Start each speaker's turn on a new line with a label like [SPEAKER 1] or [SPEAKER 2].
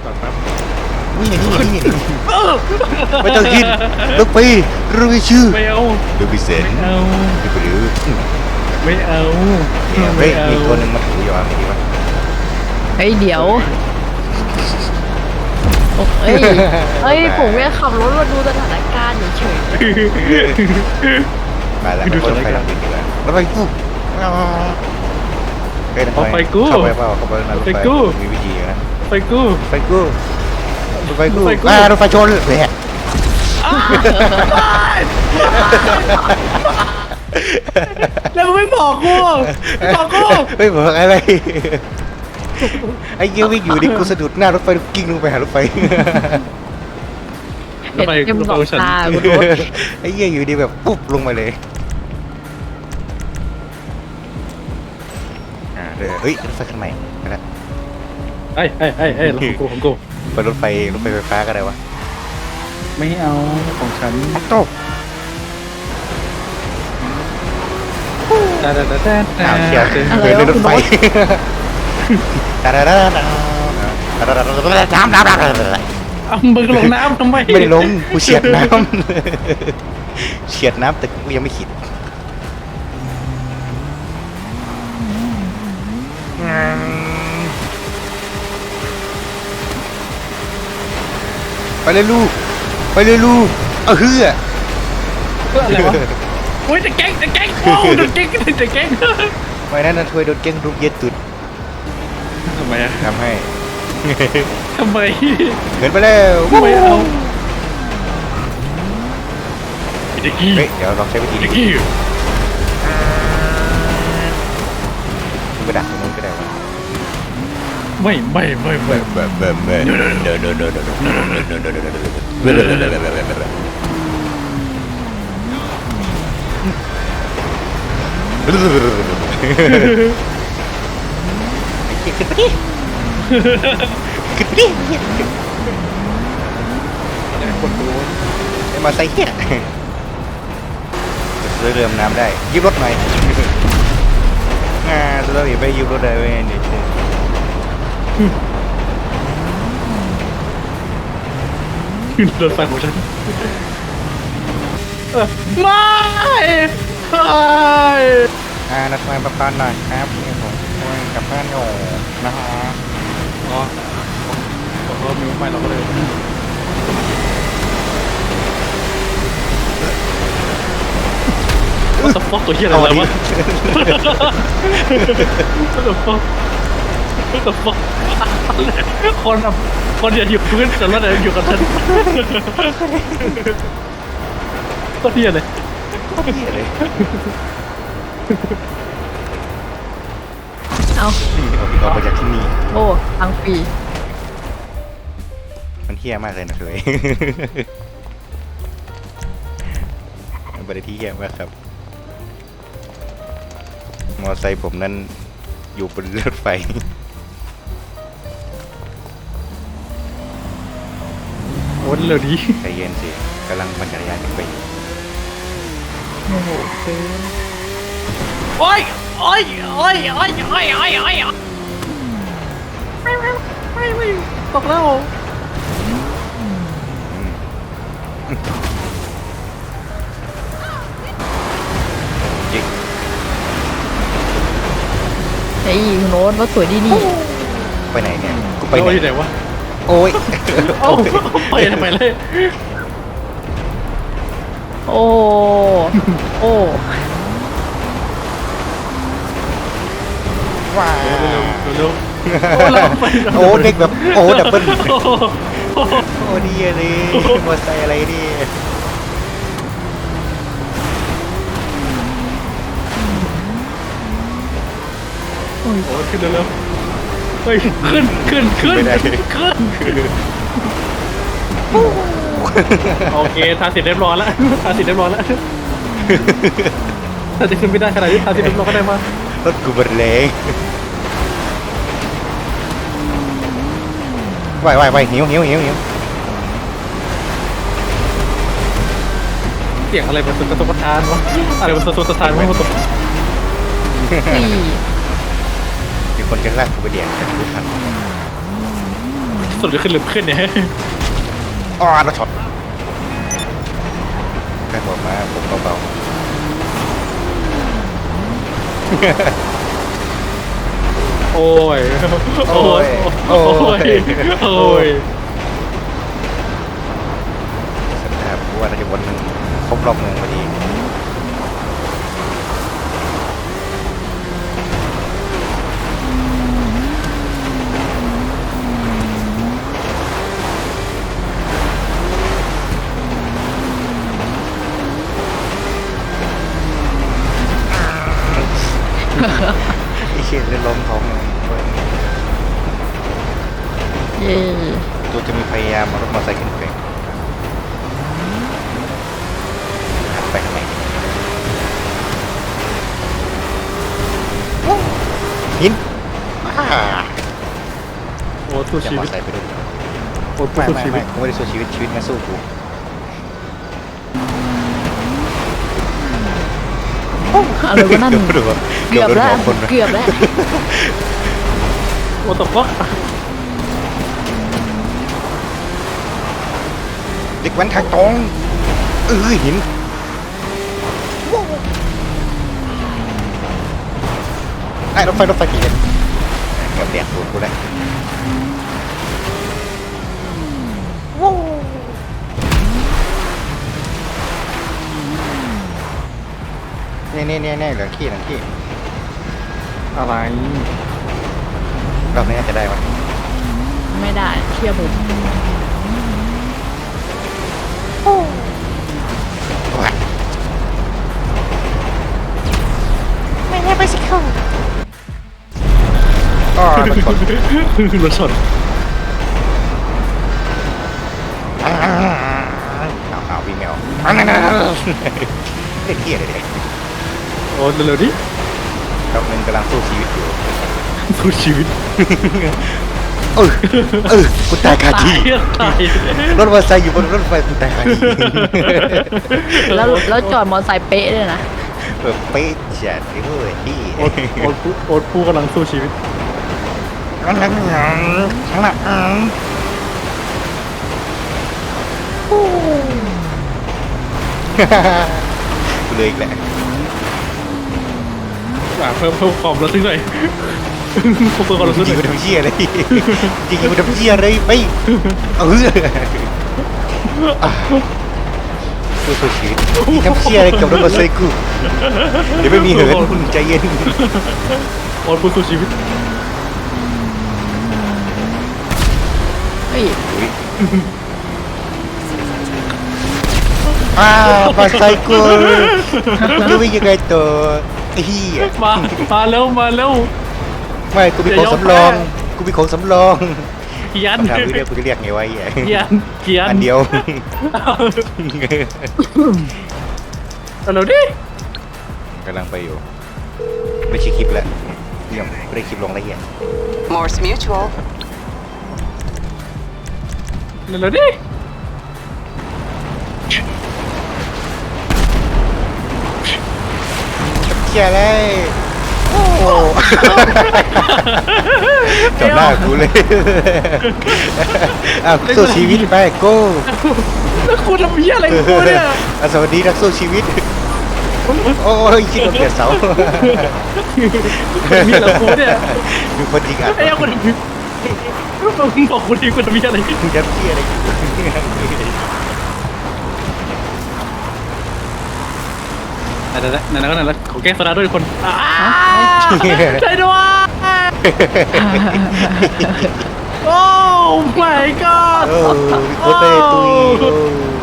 [SPEAKER 1] จอดแป๊บ
[SPEAKER 2] นี่ไม่ต้องคิดลูกไปรู้ชื่อ
[SPEAKER 1] ไม่เอา
[SPEAKER 2] ดูพิเศษ
[SPEAKER 1] ไม่เอา
[SPEAKER 2] ดูไปดู
[SPEAKER 1] ไม่เอา
[SPEAKER 2] เนี่ยเฮ้ยมีตัวหนึ่งมาถืออยู่อ่ะไม่ดีวะ
[SPEAKER 3] เฮ้ยเดี๋ยวเฮ้ยเฮ้ยผมแค่ขับรถมาดูสถานการณ์เฉย
[SPEAKER 2] มาแล้วคนรถไฟหลังดีกว่ารถไฟกูเฮ้ย
[SPEAKER 1] เอาไปกู
[SPEAKER 2] เข้าไปเปล่าเข้าไปในรถไฟมีวิธีนะ
[SPEAKER 1] ไปกู
[SPEAKER 2] ไฟกูรถไฟกู
[SPEAKER 1] รถไฟกู
[SPEAKER 2] รถไฟชนเลยฮะ
[SPEAKER 1] แล้วมึงไม่บอกกูบอกกู
[SPEAKER 2] ไม่บอกอะไรไอ้เกี้ยวิ่งอยู่ดิกูสะดุดหน้ารถไฟกิ้งลงไปหารถไฟ
[SPEAKER 3] ๆเห็นเต็มสองตาคุณรถ
[SPEAKER 2] ไอ้เกี้ยอยู่ดีแบบปุ๊บลงมาเลยเฮ้ยรถไฟคันใหม่นะ
[SPEAKER 1] ไอ้ของกู
[SPEAKER 2] ไปรถไฟไฟฟ้าก็ได้วะ
[SPEAKER 1] ไม่เอาของฉัน
[SPEAKER 2] ตก
[SPEAKER 1] แต่
[SPEAKER 2] อ้าวเชียร์
[SPEAKER 3] อะไร
[SPEAKER 2] เดิน
[SPEAKER 3] วะ
[SPEAKER 2] รถไฟ
[SPEAKER 1] เอามึงลงน้ำทำไม
[SPEAKER 2] ไม่ได้ลงกูเฉียดน้ำเฉียดน้ำแต่กูยังไม่ขิดไปเลยลูกไปเลยลูกเฮือ
[SPEAKER 1] อะไรวะโอ้ยจะแก๊งโอ้จะแก๊ง
[SPEAKER 2] ไม่นั่นนะช่วยโดนเก้งรูปเย็ดตุด
[SPEAKER 1] ทำไมอะ
[SPEAKER 2] ทำให้
[SPEAKER 1] ทำไม
[SPEAKER 2] เกินไปแล้ว
[SPEAKER 1] ไม่เอาเด็กกี้
[SPEAKER 2] เฮ้ยเดี๋ยวลองใช้วิธี
[SPEAKER 1] เด็
[SPEAKER 2] นี้
[SPEAKER 1] กกี้
[SPEAKER 2] ไปดักตรงนู้นก็ได้วะ
[SPEAKER 1] ไม่
[SPEAKER 2] ขึ้นไปดิขึ้นไปดิคนดูไอ้มาใส่เหี้ยจะเรือน้ำได้ยืมรถหน่อยเราอย่าไปยืมรถได้เว้ยเดี๋ยวเชื่อ
[SPEAKER 1] โดนไฟของฉันไม่
[SPEAKER 2] นัดมาประกันหน่อยครับนี่ผมกลับบ้านอยู่นะฮะ
[SPEAKER 1] อ๋อเรามีไม่เราก็เลยว่าสปอกตัวเหี้ยอะไรวะว่าสปอกคนอย่าอยู่พื้นแต่ละเดี๋ยวอยู่กับฉันก็เหี้ยเลย
[SPEAKER 2] เหี้ยเลย
[SPEAKER 3] เอา
[SPEAKER 2] ออกมาจากที่นี่
[SPEAKER 3] โอ้ทางฟรี
[SPEAKER 2] มันเที่ยมากเลยนะเลยมันเป็นที่เที่ยมากครับมอไซค์ผมนั้นอยู่บนรถไฟ
[SPEAKER 1] โอ้เร็วดี
[SPEAKER 2] ใจเย็นสิกำลังปั่นจักรยานขึ้นไปอยู่
[SPEAKER 3] โอ้โห
[SPEAKER 1] โอ้ยไม่ตกแล้ว
[SPEAKER 2] จริง
[SPEAKER 3] ไอ้คุณโน้ตว่าสวยดีนี่
[SPEAKER 2] ไปไหนเนี่ยกูไป
[SPEAKER 1] ไป
[SPEAKER 2] ไหน
[SPEAKER 1] ไหนวะ
[SPEAKER 2] โอ้ย
[SPEAKER 1] เอ้าไปทำไมเลย
[SPEAKER 3] โอ้โอ้
[SPEAKER 2] ว้า
[SPEAKER 1] เร็ว
[SPEAKER 2] โอ้เด็กแบบโอ้ดับเบิ้ลโอ้ดีเลยมอไซค์อะไรนี่
[SPEAKER 1] โอ้ขึ้นเร็วเฮ้ยขึ้น
[SPEAKER 2] ไม่ได้
[SPEAKER 1] โอเคทาสีเรียบร้อยแล้วทาสีเรียบร้อยแล้วถ้าจะขึ้นไม่ได้ขนาดนี้ทาสีเรียบร้อยก็ได้มาร
[SPEAKER 2] ถกูเบิดแรงไหวหิว
[SPEAKER 1] เสียงอะไรมันกระตุกกระทานวะอะไรมันกระตุกกระทานวะมันตก
[SPEAKER 3] ฟรี
[SPEAKER 2] มีคนจะลากกูไปเดียนแต่กูทัน
[SPEAKER 1] ไฟสุดจะขึ้นหรือขึ้นเนี่ย
[SPEAKER 2] อ๋อรถช็อตแค่บอกมาผมเบา
[SPEAKER 1] โอ้ย
[SPEAKER 2] ๆ
[SPEAKER 1] โอ้ย
[SPEAKER 2] โอ้ย
[SPEAKER 1] โอ้ย
[SPEAKER 2] สัญญาผมว่าเราจะวนครบรอบเมืองพอดีไอ้เชี่ยเลยล้มท้องเลย
[SPEAKER 3] เย่
[SPEAKER 2] ตัวจะมีพยายามเอารถมอเตอร์ไซค์ขึ้นไปหันไปข้างในหินอ่า
[SPEAKER 1] โอ้สู้
[SPEAKER 2] จะ
[SPEAKER 1] ชี
[SPEAKER 2] มอ
[SPEAKER 1] วิ
[SPEAKER 2] เตอร์
[SPEAKER 1] ต
[SPEAKER 2] ไซค์ไปด้วย
[SPEAKER 1] โอ้
[SPEAKER 2] ไม่
[SPEAKER 1] สู้
[SPEAKER 2] ไม่
[SPEAKER 1] ชีวิ
[SPEAKER 2] ไม่
[SPEAKER 1] ต
[SPEAKER 2] กูไม่ได้สู้ชีวิตชีวิตมาสู้กู
[SPEAKER 3] อะไรวะนั่น
[SPEAKER 2] ดูว่า
[SPEAKER 3] เกือบแล้ว
[SPEAKER 2] โดนหัคน
[SPEAKER 3] เกือบแล้ว
[SPEAKER 1] โอ้ตกวะ
[SPEAKER 2] เด็กแว้นทางตรงหินไอ้รถไฟกี่เลนเกือบแดกตูดกูแล้วเนี่ยเหลืองขี้
[SPEAKER 1] อะไร
[SPEAKER 2] รอบนี้น่าจะได้ปะ
[SPEAKER 3] ไม่ได้เชื่อผม
[SPEAKER 2] ว้า
[SPEAKER 3] ไม่ให้ไปสิเขา
[SPEAKER 2] อ๋อรถชน
[SPEAKER 1] รถชน
[SPEAKER 2] เอาวิ่งไม่ออกนั่นเด็กเกี้ยเลยเด็ก
[SPEAKER 1] โอ้เร็วๆดิ
[SPEAKER 2] รอบนึงกำลังสู้ชีวิตอยู่
[SPEAKER 1] สู้ชีวิต
[SPEAKER 2] กูตายคาที่
[SPEAKER 1] ตาย
[SPEAKER 2] รถมอเตอร์ไซค์อยู่บนรถไฟกูตายคาที่
[SPEAKER 3] แล้วจอดมอเตอร์ไซค์เป๊ะเลยนะ
[SPEAKER 2] เป๊ะจัดเลยเว้ยที่
[SPEAKER 1] โอ๊ตผู้กำลังสู้ชีวิต
[SPEAKER 2] ข้างหลังกูเลยอีกแหละ
[SPEAKER 1] เพิ่มความระทึกหน่อยเพิ่มความระทึกห
[SPEAKER 2] ยิ
[SPEAKER 1] น่
[SPEAKER 2] ง
[SPEAKER 1] อย
[SPEAKER 2] กูทำเชี่ยเลยยิงกูทำเชี่ยเลยไปสู้ชีวิตทำเชี่ยอะไรกับรถมอเตอร์ไซค์กูเดี๋ยวไม่มีเหินใจเย็น
[SPEAKER 1] โอ๊ตผู้สู้ชีวิต
[SPEAKER 3] เฮ้ย
[SPEAKER 2] มอเตอร์ไซค์กูจะวิ่งยังไงตัวไอ้เหี้ย
[SPEAKER 1] มาเร็ว
[SPEAKER 2] ไม่กูมีของสำรอง
[SPEAKER 1] เกียน
[SPEAKER 2] คำถามเรียกกูจะเรียกไงวะไอ้เหี้ย
[SPEAKER 1] เกียน
[SPEAKER 2] อันเดียว
[SPEAKER 1] เร็วดิ
[SPEAKER 2] กำลังไปอยู่ไม่ใช่คลิปแหละยังไม่ได้คลิปลงละเอียด
[SPEAKER 4] Morse Mutual.
[SPEAKER 1] เร็วดิ
[SPEAKER 2] เชี่ยเลยโอ้จบหน้ากูเลยสู้ชีวิตไปโก้
[SPEAKER 1] แล้วคุณทำเหี้ยอะไรกูเนี่ย
[SPEAKER 2] สวัสดีนักสู้ชีวิตโอ้ยคิดว่าเปลี่ยนเสา
[SPEAKER 1] มีอะไรกูเนี่ย
[SPEAKER 2] มีคนยิงอ่ะ
[SPEAKER 1] ไอ้ยังคนมึงบอกกูทีกูทำเหี้ยอะไร
[SPEAKER 2] มึงจะเชี่ยอะไร
[SPEAKER 1] นั่นก็นั่นแล้วขอแก้สตาร์ด้วยคนช่วยด้วยโอ้ my god
[SPEAKER 2] โอ้มีคนเตะตุย